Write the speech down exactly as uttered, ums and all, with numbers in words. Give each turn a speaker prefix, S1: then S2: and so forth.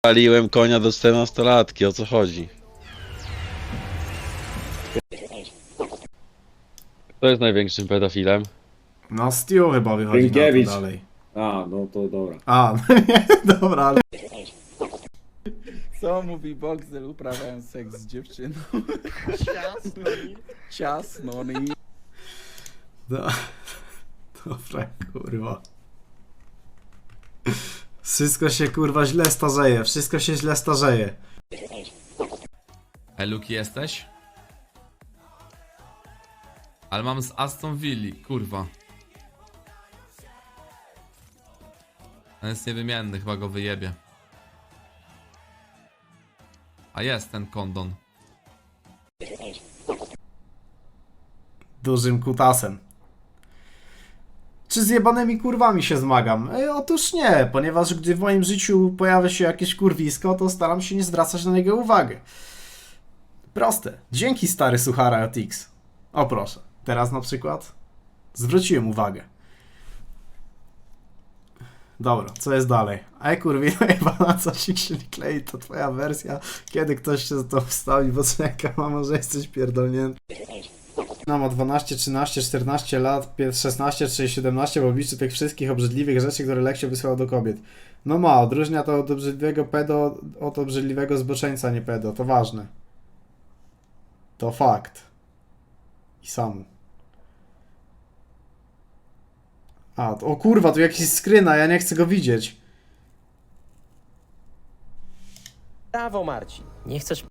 S1: Paliłem konia do czternastolatki, o co chodzi? Kto jest największym pedofilem?
S2: No Stu chyba wychodzi
S3: Rynkiewicz.
S2: na to dalej.
S3: A, no to dobra.
S2: A, no nie, dobra, ale...
S4: Co mówi Boxel uprawiając seks z dziewczyną? Ciasno mi. Ciasno mi.
S2: No, dobra, kurwa. Wszystko się kurwa źle starzeje, wszystko się źle starzeje.
S5: Ej, Luki, jesteś? Ale mam z Aston Villa, kurwa. On jest niewymienny, chyba go wyjebie. A jest ten kondon.
S2: Dużym kutasem. Czy z jebanymi kurwami się zmagam? E, otóż nie, ponieważ gdy w moim życiu pojawia się jakieś kurwisko, to staram się nie zwracać na niego uwagi. Proste. Dzięki stary suchara od X. O proszę, teraz na przykład zwróciłem uwagę. Dobra, co jest dalej? Ej kurwi, chyba na coś się nie klei, to twoja wersja. Kiedy ktoś się za to wstawi, bo czeka, mamo, że jesteś pierdolnięty. No, ma dwanaście, trzynaście, czternaście lat, szesnaście czy siedemnaście w obliczu tych wszystkich obrzydliwych rzeczy, które Leksio wysłał do kobiet. No ma, odróżnia to od obrzydliwego pedo od obrzydliwego zboczeńca, nie pedo, to ważne. To fakt. I samo. A, to, o kurwa, tu jakiś skryna, ja nie chcę go widzieć.
S6: Brawo, Marcin. Nie chcesz